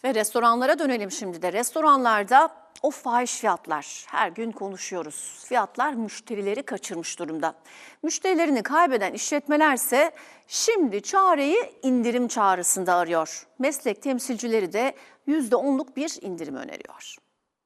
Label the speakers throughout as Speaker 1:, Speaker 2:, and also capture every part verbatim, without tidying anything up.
Speaker 1: Ve restoranlara dönelim şimdi de. Restoranlarda o fahiş fiyatlar, her gün konuşuyoruz. Fiyatlar müşterileri kaçırmış durumda. Müşterilerini kaybeden işletmelerse şimdi çareyi indirim çağrısında arıyor. Meslek temsilcileri de yüzde onluk bir indirim öneriyor.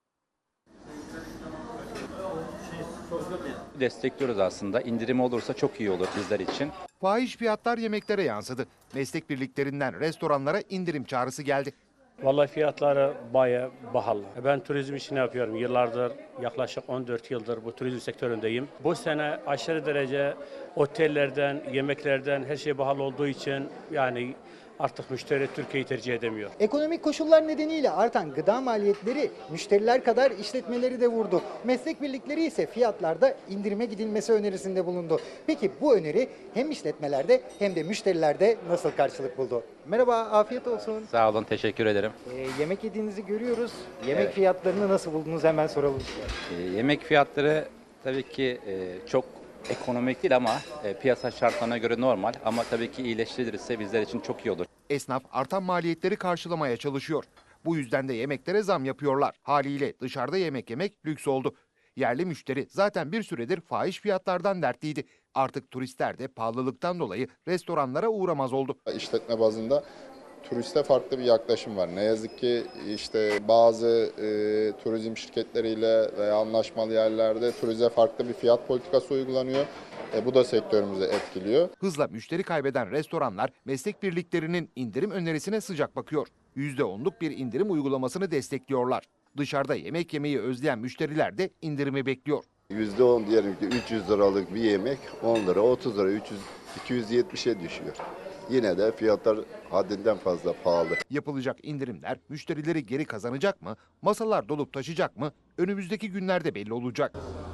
Speaker 2: Destekliyoruz aslında. İndirim olursa çok iyi olur bizler için.
Speaker 3: Fahiş fiyatlar yemeklere yansıdı. Meslek birliklerinden restoranlara indirim çağrısı geldi.
Speaker 4: Vallahi fiyatları bayağı pahalı. Ben turizm işini yapıyorum. Yıllardır, yaklaşık on dört yıldır bu turizm sektöründeyim. Bu sene aşırı derece otellerden, yemeklerden her şey pahalı olduğu için yani artık müşteri Türkiye'yi tercih edemiyor.
Speaker 5: Ekonomik koşullar nedeniyle artan gıda maliyetleri müşteriler kadar işletmeleri de vurdu. Meslek birlikleri ise fiyatlarda indirime gidilmesi önerisinde bulundu. Peki bu öneri hem işletmelerde hem de müşterilerde nasıl karşılık buldu? Merhaba, afiyet olsun.
Speaker 2: Sağ olun, teşekkür ederim.
Speaker 5: Ee, yemek yediğinizi görüyoruz. Yemek
Speaker 2: Evet.
Speaker 5: fiyatlarını nasıl buldunuz hemen soralım size.
Speaker 2: Ee, yemek fiyatları tabii ki e, çok ekonomik değil ama e, piyasa şartlarına göre normal. Ama tabii ki iyileştirilirse bizler için çok iyi olur.
Speaker 3: Esnaf artan maliyetleri karşılamaya çalışıyor. Bu yüzden de yemeklere zam yapıyorlar. Haliyle dışarıda yemek yemek lüks oldu. Yerli müşteri zaten bir süredir fahiş fiyatlardan dertliydi. Artık turistler de pahalılıktan dolayı restoranlara uğramaz oldu.
Speaker 6: İşletme bazında turiste farklı bir yaklaşım var. Ne yazık ki işte bazı e, turizm şirketleriyle veya anlaşmalı yerlerde turize farklı bir fiyat politikası uygulanıyor. E, bu da sektörümüzü etkiliyor.
Speaker 3: Hızla müşteri kaybeden restoranlar meslek birliklerinin indirim önerisine sıcak bakıyor. yüzde onluk bir indirim uygulamasını destekliyorlar. Dışarıda yemek yemeyi özleyen müşteriler de indirimi bekliyor.
Speaker 7: yüzde on diyelim ki üç yüz liralık bir yemek on lira, otuz lira, üç yüz, iki yüz yetmişe düşüyor. Yine de fiyatlar haddinden fazla pahalı.
Speaker 3: Yapılacak indirimler müşterileri geri kazanacak mı? Masalar dolup taşacak mı? Önümüzdeki günlerde belli olacak.